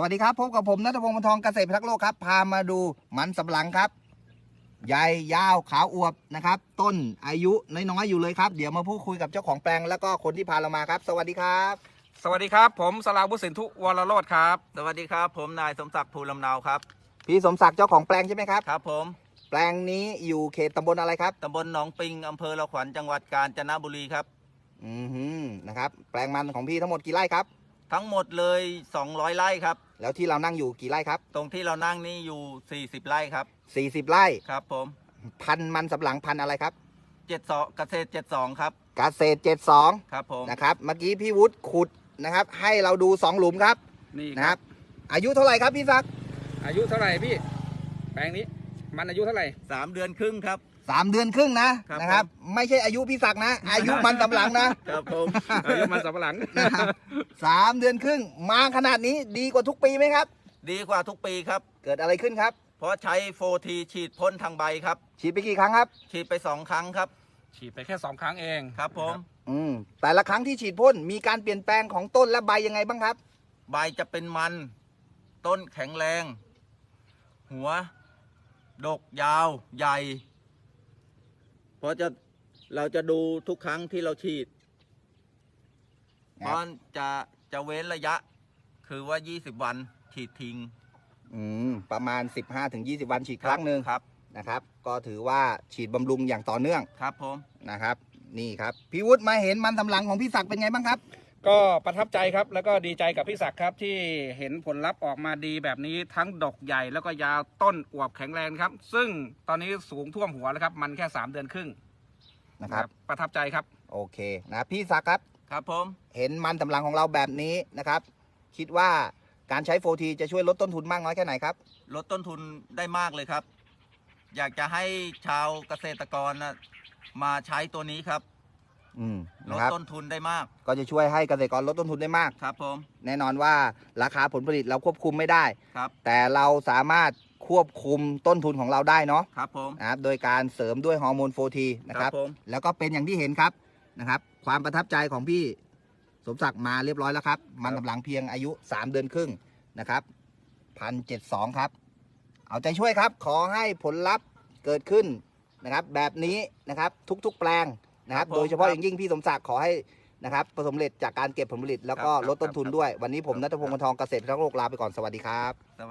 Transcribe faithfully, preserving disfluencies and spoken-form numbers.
วัสดีครับพบกับผมณัฐพงศ์ วรรณทอง เกษตรพิทักษ์โลกครับพามาดูมันสำปะหลังครับใหญ่ยาวขาวอวบนะครับต้นอายุน้อยๆอยู่เลยครับเดี๋ยวมาพูดคุยกับเจ้าของแปลงแล้วก็คนที่พาเรามาครับสวัสดีครับสวัสดีครับผมสราวุฒิสินธุวรโรจน์ครับสวัสดีครับผมนายสมศักดิ์ภูลำเนาครับพี่สมศักดิ์เจ้าของแปลงใช่ไหมครับครับผมแปลงนี้อยู่เขตตำบลอะไรครับตำบลหนองปิงอำเภอละขวัญจังหวัดกาญจนบุรีครับอือหือนะครับแปลงมันของพี่ทั้งหมดกี่ไร่ครับทั้งหมดเลยสองร้อยไร่ครับแล้วที่เรานั่งอยู่กี่ไร่ครับตรงที่เรานั่งนี่อยู่สี่สิบไร่ครับสี่สิบไร่ครับผมพันธุ์มันสำปะหลังพันธุ์อะไรครับเจ็ดสองเกษตรเจ็ดสองครับเกษตรเจ็ดสองครับผมนะครับเมื่อกี้พี่วุฒิขุดนะครับให้เราดูสองหลุมครับนี่นะครับอายุเท่าไหร่ครับพี่ศักดิ์อายุเท่าไหร่พี่แปลงนี้มันอายุเท่าไหร่สามเดือนครึ่งครับสามเดือนครึ่งนะครับนะครับไม่ใช่อายุพี่ศักดิ์นะอายุมันสำปะหลังนะครับผมอายุมันสำปะหลังนะครับสามเดือนครึ่งมาขนาดนี้ดีกว่าทุกปีไหมครับดีกว่าทุกปีครับเกิดอะไรขึ้นครับเพราะใช้โฟทีฉีดพ่นทางใบครับฉีดไปกี่ครั้งครับฉีดไปสองครั้งครับฉีดไปแค่สองครั้งเองครับผมอืมแต่ละครั้งที่ฉีดพ่นมีการเปลี่ยนแปลงของต้นและใบยังไงบ้างครับใบจะเป็นมันต้นแข็งแรงหัวดกยาวใหญ่เพราะจะเราจะดูทุกครั้งที่เราฉีดเพราะจะจะเว้นระยะคือว่ายี่สิบวันฉีดทิ้งอืมประมาณ สิบห้าถึงยี่สิบ วันฉีดครั้งหนึ่งครับนะครับก็ถือว่าฉีดบำรุงอย่างต่อเนื่องครับผมนะครับนี่ครับพี่วุฒิมาเห็นมันสำปะหลังของพี่ศักดิ์เป็นไงบ้างครับก็ประทับใจครับแล้วก็ดีใจกับพี่ศักดิ์ครับที่เห็นผลลัพธ์ออกมาดีแบบนี้ทั้งดกใหญ่แล้วก็ยาวต้นอวบแข็งแรงครับซึ่งตอนนี้สูงท่วมหัวแล้วครับมันแค่สามเดือนครึ่งนะครับประทับใจครับโอเคนะพี่ศักดิ์ครับครับผมเห็นมันสำปะหลังของเราแบบนี้นะครับคิดว่าการใช้โฟทีจะช่วยลดต้นทุนมากน้อยแค่ไหนครับลดต้นทุนได้มากเลยครับอยากจะให้ชาวเกษตรกรนะมาใช้ตัวนี้ครับอืมลดต้นทุนได้มากก็จะช่วยให้เกษตรกรลดต้นทุนได้มากครับผมแน่นอนว่าราคาผลผลิตเราควบคุมไม่ได้ครับแต่เราสามารถควบคุมต้นทุนของเราได้เนาะครับผมนะครับโดยการเสริมด้วยฮอร์โมนโฟทีนะครับแล้วก็เป็นอย่างที่เห็นครับนะครับความประทับใจของพี่สมศักดิ์มาเรียบร้อยแล้วครับมันสำปะหลังเพียงอายุสามเดือนครึ่งนะครับพันเจ็ดสองครับเอาใจช่วยครับขอให้ผลลัพธ์เกิดขึ้นนะครับแบบนี้นะครับทุกๆแปลงนะครับโดยเฉพาะอย่างยิ่งพี่สมศักดิ์ขอให้นะครับประสบผลสำเร็จจากการเก็บผลผลิตแล้วก็ลดต้นทุนด้วยวันนี้ผมณัฐพงศ์ วรรณทอง เกษตรพิทักษ์โลกลาไปก่อนสวัสดีครับ